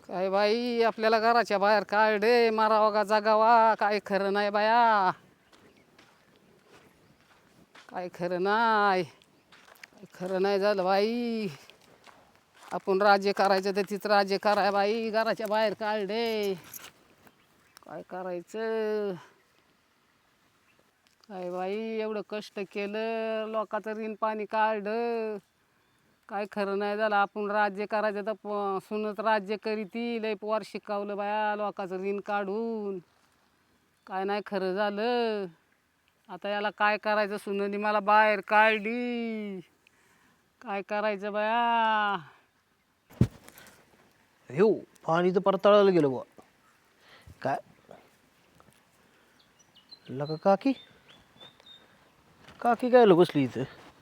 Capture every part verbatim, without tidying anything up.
काय बाई आपल्याला घराच्या बाहेर काढे मारावा का जगावा काय खरं नाही बाया. काय खरं नाही काय खरं नाही झालं बाई. आपण राज्य करायचं तर तिथं राज्य कराय बाई. घराच्या बाहेर काढे काय करायचं. काय बाई एवढं कष्ट केलं लोकांचं ऋण पाणी काढलं काय खरं नाही झालं. आपण राज्य करायचं तर प सुनत राज्य करीती लय पोर शिकवलं बाया लोकांचं ऋण काढून काय नाही खरं झालं. आता याला काय करायचं. सुननी मला बाहेर काढली काय करायचं बाया. हो पाणी तर परताळायला गेलं बुवा. काय लका काकी काकी काय बसली इथं.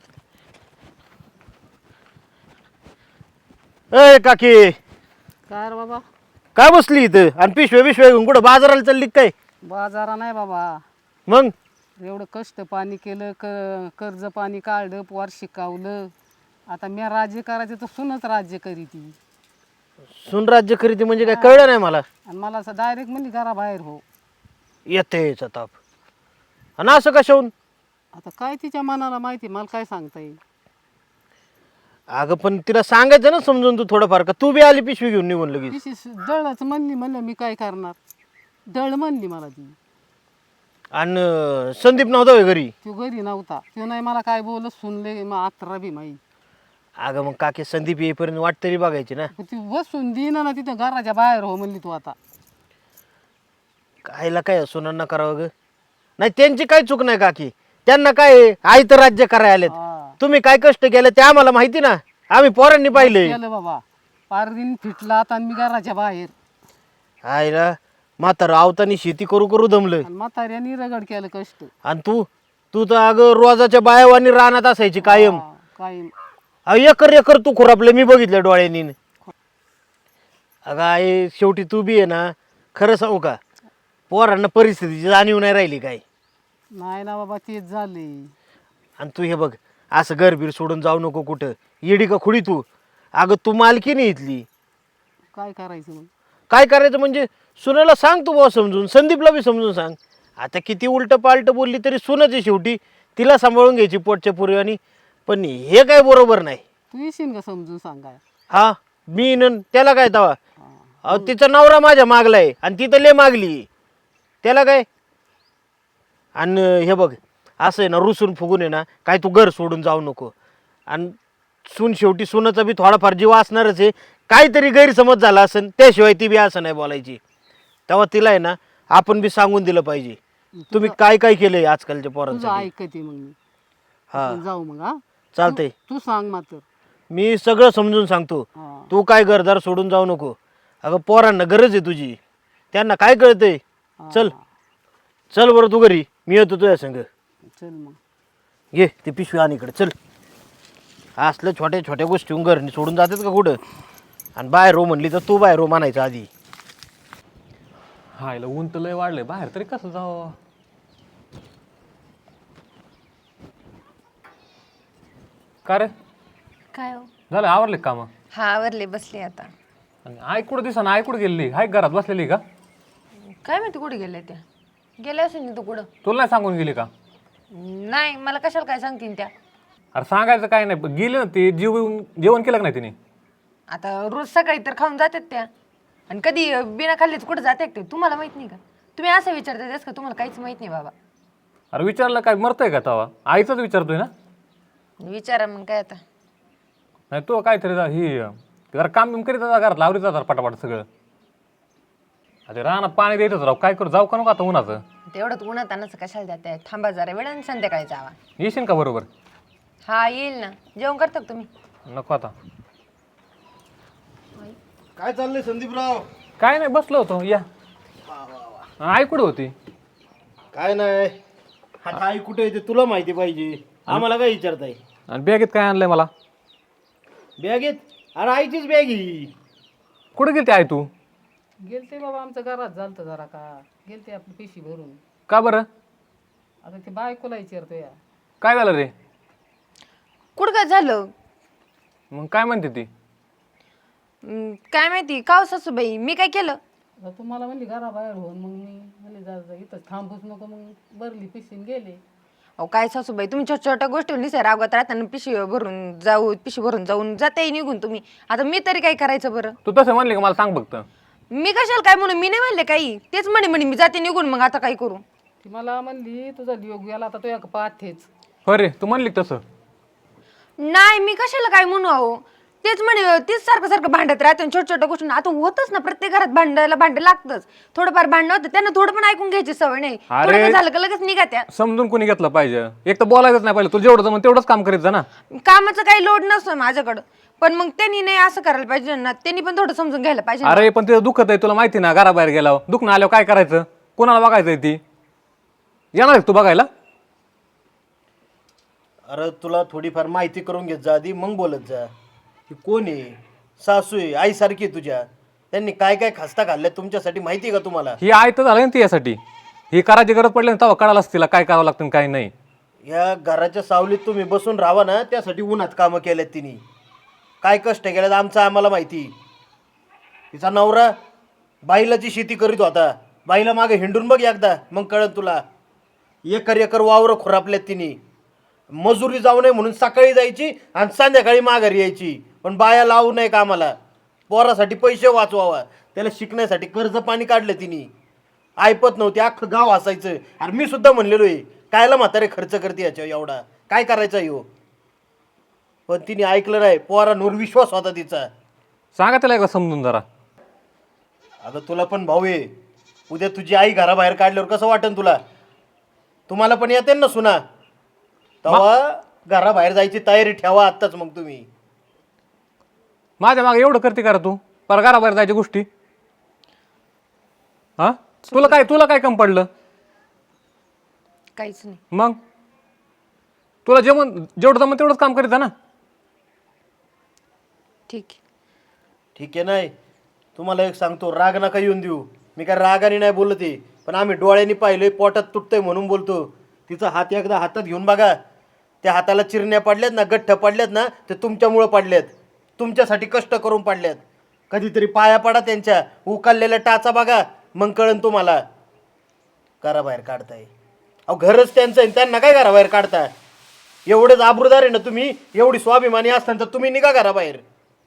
ए काकी काय रे बाबा. काय बसली इथं आणि पिशव्या पिशव्या घेऊन कुठं बाजाराला चालली काय. बाजारा नाही बाबा. मग एवढं कष्ट पाणी केलं क कर्ज पाणी काढलं पोर शिकवलं. आता मी राज्य करायचं तर सुनच राज्य करीती. सुन राज्य खरेदी म्हणजे काय कळलं नाही मला. आणि मला असं डायरेक्ट म्हणजे घराबाहेर हो. येतेच ताप आणि असं कशाहून. आता काय तिच्या मनाला माहिती मला काय सांगता येईल. अगं पण तिला सांगायचं ना समजून तू थोडंफार का तू बी आली पिशवी घेऊन निघून लगेच. तिची दळच म्हणली म्हणलं मी काय करणार. दळ म्हणली मला ती. आणि संदीप नव्हता होय घरी. तो घरी नव्हता. तो नाही मला काय बोलत सुनले मग अकरा बी माई. अगं मग काकी संदीप येईपर्यंत वाट तरी बघायची ना. ती बसून देईना ना तिथं घराच्या बाहेर हो म्हणली तू आता. कायला काय सुनांना करावं ग. नाही त्यांची काय चूक नाही काकी. त्यांना काय आई तर राज्य करायला आलेत. हा. तुम्ही काय कष्ट केलं ते आम्हाला माहिती ना. आम्ही पोरांनी पाहिले. केलं बाबा पार दिन फिटला आता आणि मी घराच्या बाहेर. आईला म्हातारं आवतानी शेती करू करू दमलं. आणि म्हाताऱ्यानी रगड केलं कष्ट. आणि तू तू तर अगं रोजाच्या बायावानी रानात असायची कायम. हा, काय अहो एकर एकर तू खुरापलं मी बघितलं डोळ्यांनी. अगं आई शेवटी तू बी आहे ना. खरं सांगू का पोरांना परिस्थितीची जाणीव नाही राहिली काय. नाही ना बाबा तेच झाले. आणि तू हे बघ असं घरबीर सोडून जाऊ नको कुठं. येडी का खुडी तू. अगं तू मालकी नाही इथली. काय करायचं मग. काय करायचं म्हणजे सुनेला सांग तू बाबा समजून. संदीपला बी समजून सांग. आता किती उलटं पालटं बोलली तरी सुनच आहे शेवटी. तिला सांभाळून घ्यायची पोटच्या पुरवानी. पण हे काय बरोबर नाही. तू येशील का समजून सांगाय. हा मी न त्याला काय तवा. अहो तिचा नवरा माझ्या मागलाय आणि ती तर लय मागली. त्याला काय. आणि हे बघ असं आहे ना रुसून फुगून आहे ना काय तू घर सोडून जाऊ नको. आणि सून शेवटी सुनाचा बी थोडाफार जीव असणारच आहे. काहीतरी गैरसमज झाला असेल त्याशिवाय ती बी असं नाही बोलायची. तेव्हा तिला आहे ना आपण बी सांगून दिलं पाहिजे. तुम्ही काय काय केलंय आजकालच्या तुझं पोरांसाठी. ऐकते मग मी. हा आपण जाऊ मग. हा चालतंय. तू सांग मात्र. मी सगळं समजून सांगतो. हा. तू काय घरदार सोडून जाऊ नको. अगं पोरांना गरज आहे तुझी. त्यांना काय कळतंय. चल चल बरं तू घरी मी येतो तुझ्या संग. चल मग. ये ते पिशवी आण इकडे चल. असलं छोट्या छोट्या गोष्टी घर सोडून जातात का कुठं. आणि बाहेर रो म्हणली तर तू बाहेर रो म्हणायचं आधी. हा इला ऊन तर लय वाढलंय बाहेर तरी कसं जावं. का रे काय हो. झालं आवरले काम. हा आवरले बसले आता. आणि आई कुठं दिसा ना आई कुठं गेलेली हाय घरात बसलेली का. काय माहिती कुठे गेल्या त्या. गेल्या असेल ना तू कुठं. तुला नाही सांगून गेली का. नाही मला कशाला काय सांगतीन त्या. अरे सांगायचं काय नाही गेले ना ते जेवण जेवण केलं का नाही तिने. आता रोज सकाळी तर खाऊन जातात त्या. आणि कधी बिना खाल्लीच कुठं जाते ते तुम्हाला माहित नाही का. तुम्ही असं विचारता तेच का तुम्हाला काहीच माहित नाही बाबा. अरे विचारलं काय मरतंय का तवा आईचाच विचारतोय ना. विचारा मग काय आता. नाही तो काहीतरी जा- ही जरा काम बिम करीत जा घरात लावरीत जा पटापट सगळं. अरे रानात पाणी द्यायचंच राव काय करू जाऊ का नको आता उन्हाचं. तेवढंच उन्हात अन्नाचं कशाला जाते थांबा जरा वेळ आणि संध्याकाळी जावा. येशील का बरोबर. हा येईल ना जेवण करता का तुम्ही. नको आता. काय चाललंय संदीपराव. काय नाही बसलो होतो या. आई कुठे होती. काय नाही आता आई कुठे येते तुला माहिती पाहिजे. आम्हाला काय विचारताय. आणि बॅगेत काय आणलंय मला. बॅगेत अरे आईचीच बॅग ही. कुठे गेलती आई तू. गेलते बाबा आमचं घरात झालतं जरा का. गेलते आपली पिशी भरून. का बरं. आता ते बायकोला विचारतो या. काय झालं रे. कुठं काय झालं. मग काय म्हणते ती. हम्म, काय माहिती का हो सासूबाई मी काय केलं? आता तुम्हाला म्हणली घराबाहेर होऊन मग मी म्हणले जा जा, इथं थांबूच नको, मग भरली पिशीन गेले. अहो काय सासूबाई तुम्ही छोट्या छोट्या गोष्टी निसाय रागवत राहताना पिशवी भरून जाऊ पिशवी भरून जाऊन जाते निघून तुम्ही. आता मी तरी काय करायचं बरं? तू तसं म्हणले का मला सांग फक्त. मी कशाला काय म्हणून मी नाही म्हणले काही, तेच म्हणे म्हणे मी जाते निघून, मग आता काय करू? ती मला म्हणली तुझा योग गेला आता तो एक पाथेच. हो रे तू म्हणली का तसं? नाही मी कशाला काय म्हणू अहो, तेच म्हणे तेच सारखं सारखं भांडत राहते छोट्या छोट्या गोष्टी. आता होतच ना प्रत्येक घरात भांडायला भांडे लागतच, थोडंफार भांडण होतं त्यांना थोडं पण ऐकून घ्यायची सवय नाही. अरे. थोडं झालं का लगेच निघा त्या. समजून कोणी घेतलं पाहिजे, एक तर बोलायचंच नाही पाहिजे. तुला जेवढं जमन तेवढंच काम करीत जा ना. कामाचं काही लोड नसतो माझ्याकडं, पण मग त्यांनी नाही असं करायला पाहिजे ना, त्यांनी पण थोडं समजून घ्यायला पाहिजे ना. अरे पण तिथं दुखत आहे तुला माहिती ना, घराबाहेर गेल्यावर दुखणं आल्यावर काय करायचं, कोणाला बघायचंय ती? येणार आहे तू बघायला? अरे तुला थोडीफार माहिती करून घेत जा आधी, मग बोलत जा. ही कोण आहे? सासू आहे, आईसारखी आहे तुझ्या. त्यांनी काय काय खस्ता खाल्ल्या तुमच्यासाठी माहिती आहे का तुम्हाला? ही आय तर झालं ना ती यासाठी. ही करायची गरज पडली ना तेव्हा कळालंच तिला काय करावं लागतं आणि काय नाही. या घराच्या सावलीत तुम्ही बसून राहा ना, त्यासाठी उन्हात कामं केल्यात तिने. काय कष्ट केल्यात आमचं आम्हाला माहिती. तिचा नवरा बाईलाची शेती करीत होता, बाईला मागे हिंडून बघ एकदा, मग कळत तुला. एकर एकर वावरं खुरापल्यात तिने. मजुरी जाऊ नये म्हणून सकाळी जायची आणि संध्याकाळी माघारी यायची, पण बाया लावू नये कामाला. पोरासाठी पैसे वाचवावा, त्याला शिकण्यासाठी कर्ज पाणी काढलं तिने. ऐपत नव्हती, अख्खं गाव हसायचं. अरे मी सुद्धा म्हणलेलो आहे, कायला म्हातारे खर्च करते याच्यावर एवढा, काय करायचा यो. पण तिने ऐकलं नाही, पोरांवर विश्वास होता तिचा. सांगा त्याला एकदा समजून जरा. अगं तुला पण भाऊ आहे, उद्या तुझी आई घराबाहेर काढल्यावर कसं वाटेल तुला? तुम्हाला पण येते ना सुना, तेव्हा घराबाहेर जायची तयारी ठेवा आत्ताच. मग तुम्ही माझ्या मागे एवढं करते करा तू, पर घराबाहेर जायच्या गोष्टी. हा तुला काय तुला काय कम पडलं? काहीच नाही. मग तुला जेवण जेवढं जमन तेवढंच काम करीत जा ना. ठीक आहे. ठीक आहे. नाही तुम्हाला एक सांगतो, राग नका येऊन देऊ. मी काय रागाने नाही बोलत आहे, पण आम्ही डोळ्यांनी पाहिलोय, पोटात तुटतंय म्हणून बोलतो. तिचा हात एकदा हातात घेऊन बघा, त्या हाताला चिरण्या पडल्यात ना, गठ्ठ पडल्यात ना, ते तुमच्यामुळं पडल्यात. तुमच्यासाठी कष्ट करून पडल्यात. कधीतरी पाया पडा त्यांच्या, उकाललेल्या टाचा बघा, मग कळन तुम्हाला. घराबाहेर काढताय अहो, घरच त्यांचं आहे, त्यांना काय घराबाहेर काढता? एवढेच आबरूदार आहे ना तुम्ही, एवढी स्वाभिमानी असताना तर तुम्ही निघा घराबाहेर.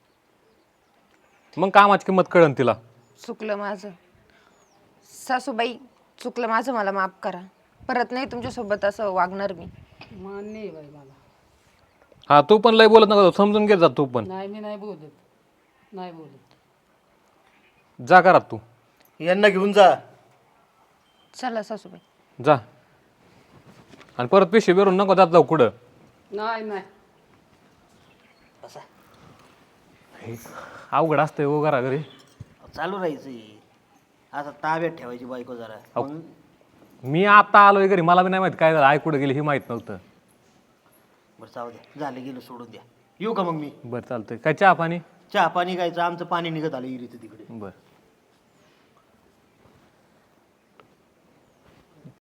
मग कामाची किंमत कळन तिला. चुकलं माझं सासूबाई, चुकलं माझं, मला माफ करा. परत नाही तुमच्यासोबत असं वागणार मी. मान्य आहे बाई मला. हा तू पण लय बोलत नका, समजून घेत जा तू पण. नाही मी नाही बोलत, नाही बोलत. जा घरात तू, यांना घेऊन जा. चला सासूबाई. जा. आणि परत पिशवी भरून नको जात जाऊ कुठं. नाही नाही अवघड असतंय हो घरा घरी. चालू राहायचं आता, ताब्यात ठेवायची बायको जरा. मग मी आता आलोय घरी, मला बी नाही माहित काय झालं, आई कुठे गेली हे माहित नव्हतं. बरं जाऊ द्या, झालं गेलं सोडून द्या. येऊ का मग मी? बरं चालतंय. काय चहा पाणी? चहा पाणी गायचं, आमचं पाणी निघत आलं इरीचं तिकडे. बरं.